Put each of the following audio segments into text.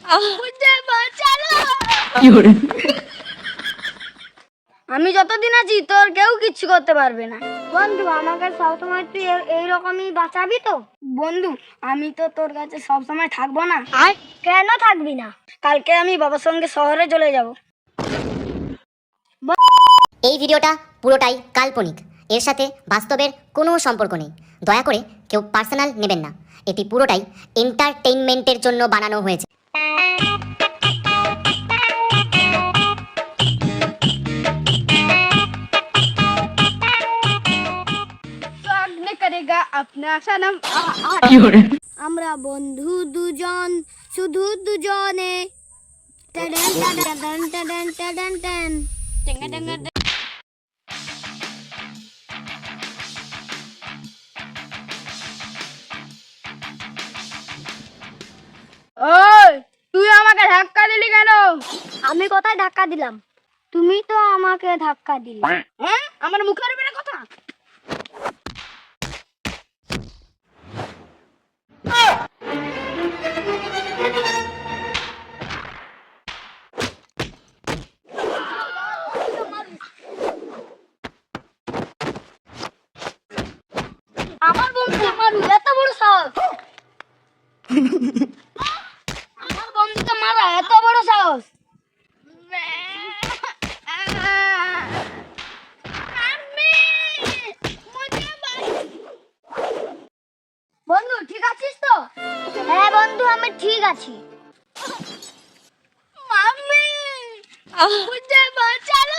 আমি যতদিন আছি তোর কেউ কিচ্ছু করতে পারবে না। বন্ধু আমাকে সবসময় তুই এইরকমই বাঁচাবি তো? বন্ধু আমি তো তোর কাছে সবসময় থাকবো না। কেন থাকবি না? কালকে আমি বাবার সঙ্গে শহরে চলে যাব। এই ভিডিওটা পুরোটাই কাল্পনিক, এর সাথে বাস্তবের কোনো সম্পর্ক নেই। দয়া করে কেউ পার্সোনাল নেবেন না, এটি পুরোটাই এন্টারটেইনমেন্টের জন্য বানানো হয়েছে। আমরা বন্ধু দুজন, শুধু দুজনে। টাডান টাডান টাডান টাডান টান। টেঙ্গা টেঙ্গা। ওই তুই আমাকে ধাক্কা দিলি কেন? আমি কোথায় ধাক্কা দিলাম? তুমি তো আমাকে ধাক্কা দিলে। হ্যাঁ, আমার মুখের উপরে কথা। আমার বন্ধুকে মারু, এত বড় সাহস? আমার বন্ধুকে মারা এত বড় সাহস? বন্ধু ঠিক আছিস তো? হ্যাঁ বন্ধু আমি ঠিক আছি। মাম্মি মুঝে বাঁচালো।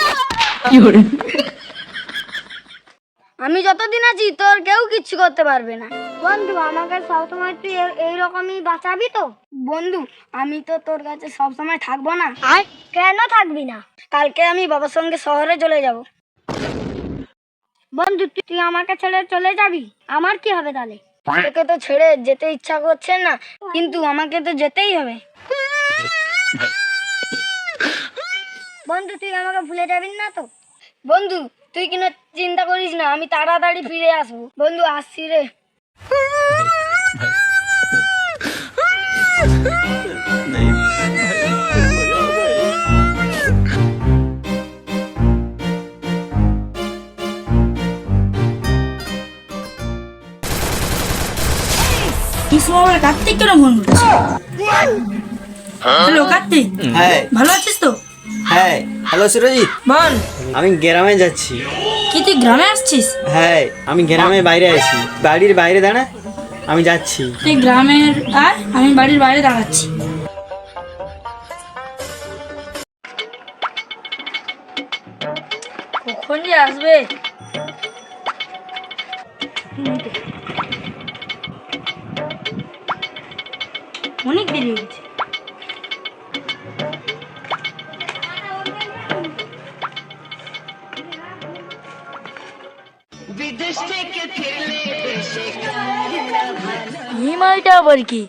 আমি যতদিন আছি তোর কেউ কিচ্ছু করতে পারবে না। বন্ধু আমাকে সবসময় তুই এইরকমই বাঁচাবি তো? বন্ধু আমি তো তোর কাছে সবসময় থাকবো না। কেন থাকবি না? কালকে আমি বাবার সঙ্গে শহরে চলে যাব। বন্ধু তুই আমাকে ছেড়ে চলে যাবি, আমার কি হবে তাহলে? তোকে তো ছেড়ে যেতে ইচ্ছা করছে না, কিন্তু আমাকে তো যেতেই হবে। বন্ধু তুই আমাকে ভুলে যাবি না তো? বন্ধু তুই কিনা চিন্তা করিস না, আমি তাড়াতাড়ি ফিরে আসবো। বন্ধু আসছি রে। কার্তিক কেন ফোন করছিস? হ্যালো কার্তিক, হ্যাঁ ভালো আছিস তো? হ্যাঁ হ্যালো সুরজিৎ, বল। আমি গ্রামে যাচ্ছি। কি তুই গ্রামে আসছিস? হ্যাঁ আমি গ্রামের বাইরে আছি, বাড়ির বাইরে দাঁড়া, আমি যাচ্ছি। তুই গ্রামের আর আমি বাড়ির বাইরে দাঁড়াচ্ছি। কখন যে আসবে? অনেক দেরি হয়ে গেছে। হিমালটা আবার কি?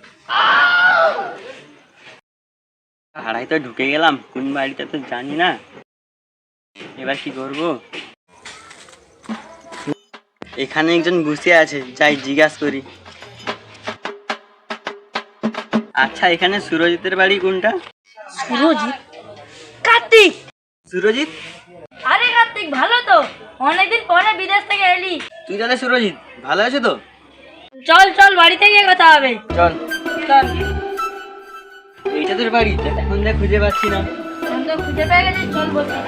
ভাড়ায় তো ঢুকে গেলাম, কোন বাড়িতে তো জানি না, এবার কি করব? এখানে একজন বসে আছে, যাই জিজ্ঞাসা করি। আচ্ছা এখানে সুরজিতের বাড়ি কোনটা? সুরজিৎ? কার্তিক! সুরজিৎ? আরে কার্তিক ভালো তো, অনেকদিন পরে বিদেশ থেকে এলি। তুই তাহলে সুরজিৎ, ভালো আছো তো? চল চল বাড়িতে গিয়ে কথা হবে। চল চল। এইটা তোর বাড়ি? এখন দেখ খুঁজে পাচ্ছি না। আমি তো খুঁজে পেয়ে গেছি, চল বলছি।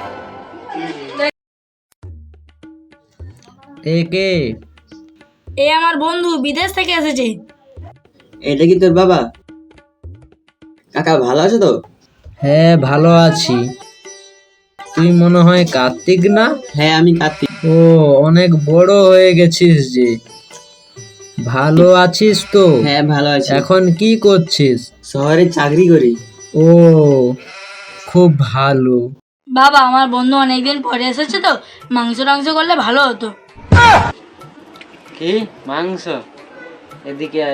কে? এই আমার বন্ধু বিদেশ থেকে এসেছে। এটা কি তোর বাবা? কাকা ভালো আছো তো? হ্যাঁ ভালো আছি। তুই মনে হয় কার্তিক না? হ্যাঁ আমি কার্তিক। ও অনেক বড় হয়ে গেছিস যে। ভালো আছিস তো? হ্যাঁ ভালো আছি। এখন কি করছিস? শহরে চাকরি করি। ও খুব ভালো। বাবা আমার বন্ধু অনেকদিন পরে এসেছে তো, মাংস টাংস করলে ভালো হতো। কি মাংস? এদিকে আয়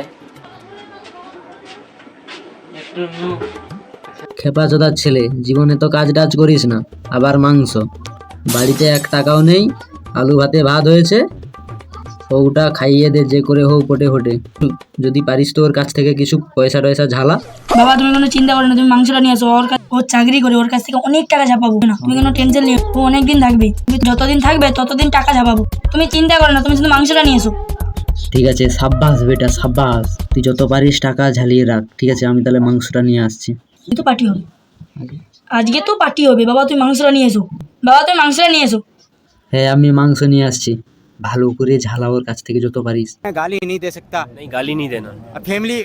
একটু। খেপাচোদার ছেলে, জীবনে তো কাজ টাজ করিস না, আবার মাংস? বাড়িতে 1 টাকাও নেই, আলু ভাতে ভাত হয়েছে, ওটা খাইয়ে দে যে করে হোক ওটে হোটে। যদি পারিস তো ওর কাছ থেকে কিছু পয়সা টয়সা ঝালা। বাবা তুমি কোনো চিন্তা করো না, তুমি মাংসটা নিয়ে আসো। ওর চাকরি করে, ওর কাছ থেকে অনেক টাকা ঝাপাবো না, তুমি কোনো টেনশন নিও। ও অনেকদিন থাকবে, তুমি যতদিন থাকবে ততদিন টাকা ঝাপাবো, তুমি চিন্তা করো না, তুমি শুধু মাংসটা নিয়ে এসো। ঠিক আছে, সাব্বাস বেটা সাব্বাস, তুই যত পারিস টাকা ঝালিয়ে রাখ। ঠিক আছে, আমি তাহলে মাংসটা নিয়ে আসছি। তো পার্টি হবে, আজকে তো পার্টি হবে। বাবা তুমি মাংসটা নিয়ে এসো, বাবা তুমি মাংসটা নিয়ে এসো। হ্যাঁ আমি মাংস নিয়ে আসছি, ভালো করে ঝালা ওর কাছ থেকে যত পারিস। गाली नहीं दे सकता। नहीं गाली नहीं देना। फैमिली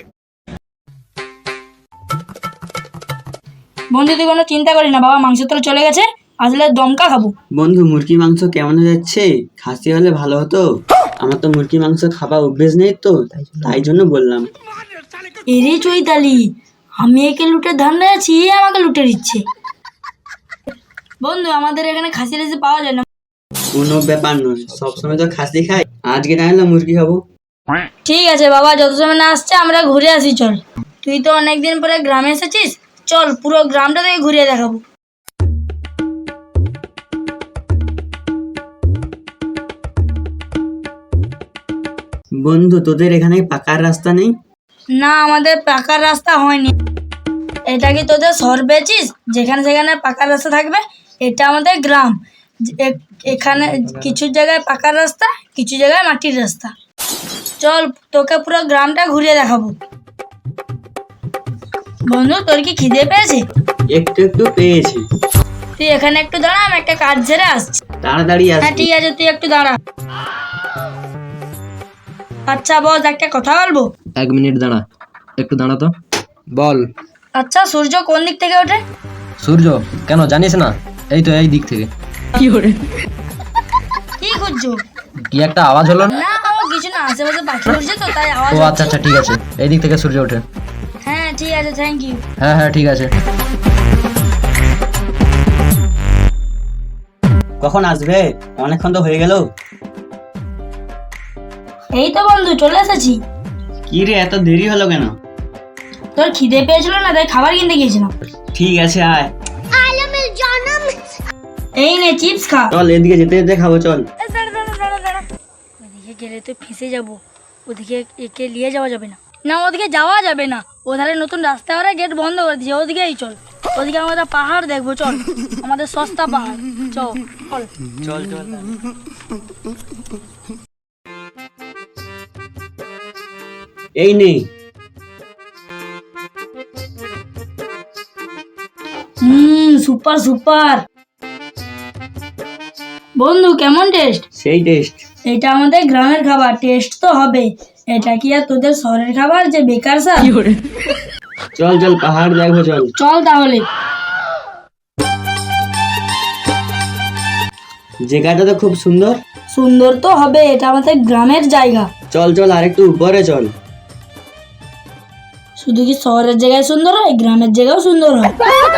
বন্ধু তুই কোনো চিন্তা করি না, বাবা মাংস তো চলে গেছে, আসলে দমকা খাবো। বন্ধু মুরগি মাংস কেমন হয়ে যাচ্ছে? খাসি হলে ভালো হতো, আমার তো মুরগি মাংস খাবার অভ্যেস নেই তো, তাই জন্য বললাম। এরে চৈতালি, আমি একে লুটে ধান্দা আছি, এ আমাকে লুটে দিচ্ছে। বন্ধু আমাদের এখানে খাসি টাসি পাওয়া যায় না। কোনো ব্যাপার নয়, সবসময় তো খাসি খাই, আজকে না হলে মুরগি খাবো। ঠিক আছে বাবা, যত সময় না আসছে আমরা ঘুরে আসি চল। তুই তো অনেকদিন পরে গ্রামে এসেছিস, চল পুরো গ্রামটা থেকে ঘুরিয়ে দেখাবো। বন্ধু তোদের এখানে পাকার রাস্তা নেই? না আমাদের পাকার রাস্তা হয়নি। এটা কি তোদের শহর পেয়েছিস যেখানে সেখানে পাকার রাস্তা থাকবে? এটা আমাদের গ্রাম, এখানে কিছু জায়গায় পাকার রাস্তা, কিছু জায়গায় মাটির রাস্তা। চল তোকে পুরো গ্রামটা ঘুরিয়ে দেখাবো। বন্ধু তোর কি খিদে পেয়েছে? একটু একটু পেয়েছি। তুই এখানে একটু দাঁড়া, আমি একটা কাজ ছেড়ে আসছি। তাড়াতাড়ি হ্যাঁ আসবি। ঠিক আছে, তুই একটু দাঁড়া। আচ্ছা বস, একটা কথা বলবো। 1 মিনিট দাঁড়া, একটু দাঁড়া তো। বল। আচ্ছা সূর্য কোন দিক থেকে ওঠে? সূর্য কেন জানিস না? এই তো এই দিক থেকে। কি খুঁজছো? কি একটা আওয়াজ হলো না? না ও কিছু না, আশেপাশে পাখি উঠছে তো তাই আওয়াজ ও হচ্ছে। আচ্ছা আচ্ছা ঠিক আছে, এই দিক থেকে সূর্য ওঠে। হ্যাঁ ঠিক আছে, থ্যাংক ইউ। হ্যাঁ হ্যাঁ ঠিক আছে। কখন আসবে? অনেকক্ষণ তো হয়ে গেল। এই তো বন্ধু চলে এসেছি। কি রে এত দেরি হলো কেন? তোর খিদে পেয়েছিল না, তাই খাবার কিনতে গিয়েছিলাম। ঠিক আছে আয়। এই নে চিপস খা। চল এদিকে যেতে যেতে খাবো চল। ওদিকে গেলে তো ফেঁসে যাব, ওদিকে একে নিয়ে যাওয়া যাবে না। না ওদিকে যাওয়া যাবে না, ওধারে নতুন রাস্তা ওরা গেট বন্ধ করে দিয়েছে, ওদিকেই চল। ওদিকে আমরা পাহাড় দেখবো, চল আমাদের সস্তা পাহাড়, চল চল। চল চল। এই নেই। Super super. বন্ধু কেমন টেস্ট? সেই টেস্ট। এটা আমাদের গ্রামের খাবার, টেস্ট তো হবে। এটা কি আর তোদের শহরের খাবার যে বেকার সা? চল চল পাহাড় দেখবো চল। চল তাহলে। জায়গাটা তো খুব সুন্দর। সুন্দর তো হবে, এটা আমাদের গ্রামের জায়গা। চল চল আর একটু উপরে চল। শুধু কি শহরের জায়গায় সুন্দর হয়, গ্রামের জায়গাও সুন্দর হয়।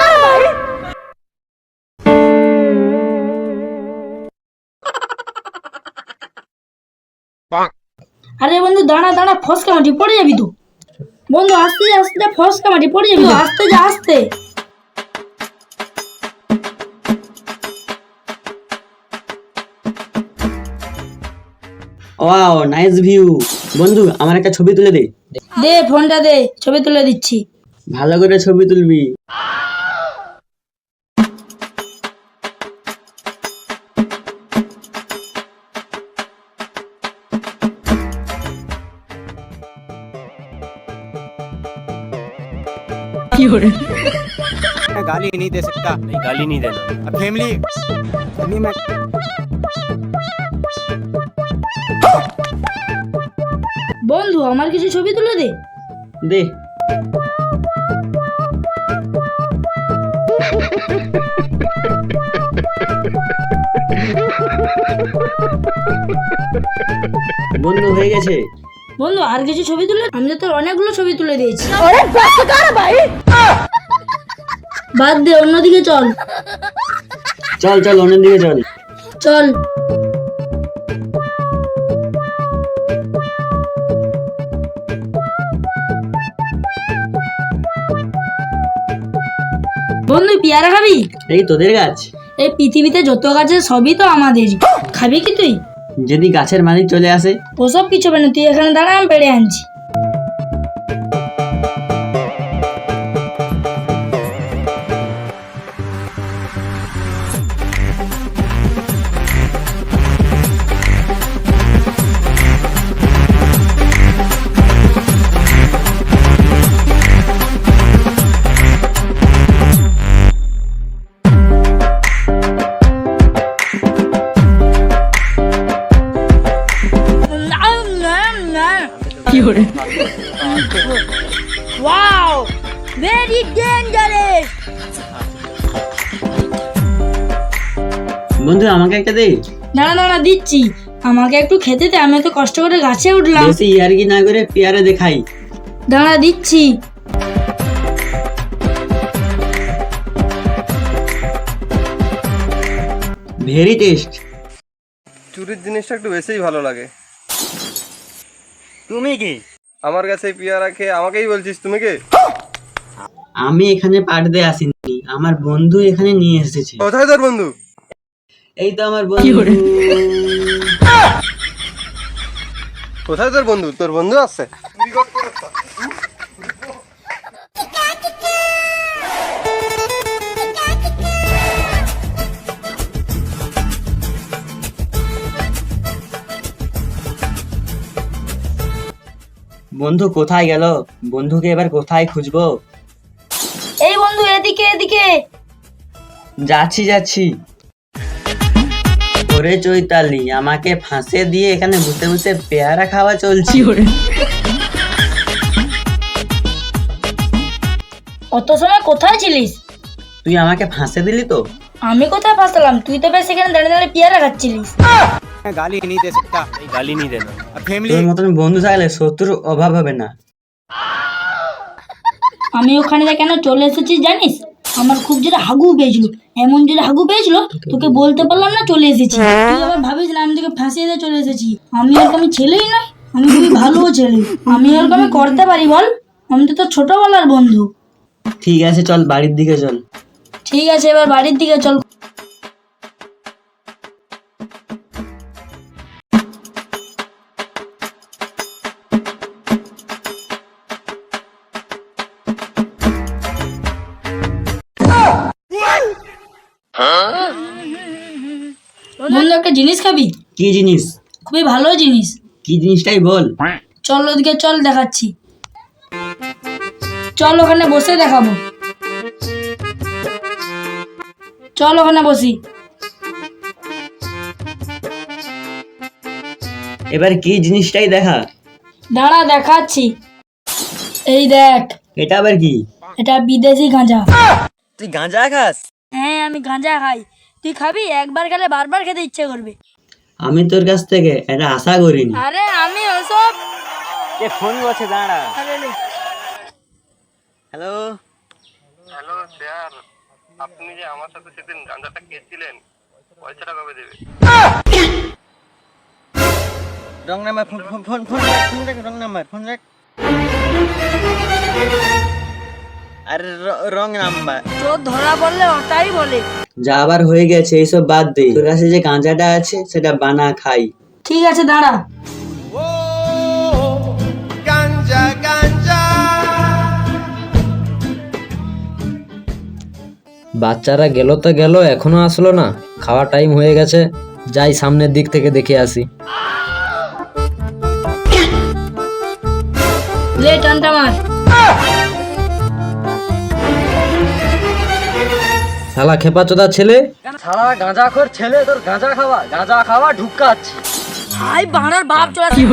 আরে বন্ধু দাঁড়া দাঁড়া, ফসকা মাটি পড়ে যাবি তো। বন্ধু আস্তে আস্তে, ফসকা মাটি পড়ে যাবি তো, আস্তে যা আস্তে। Wow nice view. বন্ধু আমার একটা ছবি তুলে দে। দে ফোনটা দে, ছবি তুলে দিচ্ছি। ভালো করে ছবি তুলবি। गाली नहीं दे सकता। नहीं गाली नहीं देना। फैमिली मैं বন্ধু আমার কিছু ছবি তুলে দে। দে। বন্ধু হয়ে গেছে। বন্ধু আর কিছু ছবি তুলে, আমি তো তোর অনেকগুলো ছবি তুলে দিয়েছি। বাদ দে, অন্যদিকে চল। চল চল অন্যের দিকে চল। চল। বন্ধু পেয়ারা খাবি? এই তোদের গাছ? এই পৃথিবীতে যত গাছ আছে সবই তো আমাদের, খাবি কি তুই? যদি গাছের মালিক চলে আসে? ওসব কিছু হবে না, তুই এখানে দাঁড়া, আমি পেড়ে আনছি। Wow, very dangerous. বন্ধু আমাকে একটা দে। দাঁড়া দাঁড়া, দিচ্ছি। আমাকে একটু খেতে দে, আমি তো কষ্ট করে গাছে উঠলাম। বেশি ইয়ার্কি না করে পেয়ারা দেখাই। দাঁড়া, দিচ্ছি। Very taste. চুরির জিনিসটা একটু বেশিই ভালো লাগে। তুমি কি আমার কাছে পেয়ারা খেয়ে আমাকেই বলছিস তুমি কে? আমি এখানে পাঠাতে আসিনি, আমার বন্ধু এখানে নিয়ে এসেছে। কোথায় তোর বন্ধু? এই তো আমার বন্ধু। কোথায় তোর বন্ধু? তোর বন্ধু আছে? বন্ধু কোথায় গেল? বন্ধুকে এবার কোথায় খুঁজবো? এই বন্ধু, এদিকে এদিকে। যাচ্ছি যাচ্ছি। ওরে চৈতালি, আমাকে ফাঁসে দিয়ে এখানে বসে বসে পেয়ারা খাওয়া চলছে। অত সময় কোথায় ছিলিস? তুই আমাকে ফাঁসে দিলি তো? আমি কোথায় ফাঁসলাম? তুই তো বেশ এখানে দাঁড়িয়ে দাঁড়িয়ে পেয়ারা খাচ্ছিলিস। मैं गाली नहीं दे सकता, गाली नहीं देना। अब फैमिली তোর মতন বন্ধু থাকলে শত্রুর অভাব হবে না। আমি ওখানে যা কেন চলে এসেছি জানিস? আমার খুব জোরে হাগু পেয়েছিল, এমন জোরে হাগু পেয়েছিল তোকে বলতে পারলাম না, চলে এসেছি। তুই আবার ভাবিস না আমি তোকে ফাঁসিয়ে দিয়ে চলে এসেছি। আমি ওরকম ছেলেই নয়, আমি খুবই ভালো ছেলে। আমি ওরকম করতে পারি বল? আমি তো তোর ছোটবেলার বন্ধু। ঠিক আছে চল বাড়ির দিকে চল। ঠিক আছে, এবার বাড়ির দিকে চল। বন্ধু, একটা জিনিস খাবি? কি জিনিস? খুবই ভালো জিনিস। কি জিনিসটাই বল। চল ওদিকে চল, দেখাচ্ছি। চল ওখানে বসে দেখাবো। চল ওখানে বসি। এবার কি জিনিসটাই দেখা। দাঁড়া, দেখাচ্ছি। এই দেখ। এটা আবার কি? এটা বিদেশি গাঁজা। তুই গাঁজা খাস? হ্যাঁ, আমি গাঁজা খাই। তুই খাবি? একবার খেলে বারবার খেতে ইচ্ছে করবে। আমি তোর কাছ থেকে এটা আশা করিনি। আরে আমি ওসব। কে ফোন করছে? দাঁড়া। আরে লে। হ্যালো, হ্যালো স্যার, আপনি যে আমার সাথে সেদিন গাঁজাটা খেয়েছিলেন, পয়সাটা কবে দেবে? Wrong number, phone phone phone phone রাখ, রং নাম্বার, ফোন রাখ। আরে রং নাম্বার। চোর ধরা পড়লে ওটাই বলে। যা আবার হয়ে গেছে এইসব বাদ দে, তোর কাছে যে গাঁজাটা আছে সেটা বানা খাই। ঠিক আছে, দাঁড়া। বাচ্চারা গেল তো গেল, এখনো আসলো না। খাওয়া টাইম হয়ে গেছে, যাই সামনের দিক থেকে দেখে আসি। লে টানটা মার। শালা খেপাচোদা ছেলে। সারা গাঁজা খোর ছেলে, তোর গাঁজা খাওয়া ঢুকাচ্ছি। হাই বাড়ার বাপ চলে আসছে।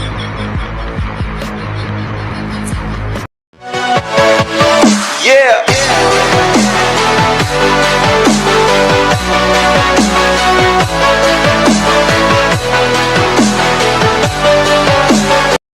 Yeah!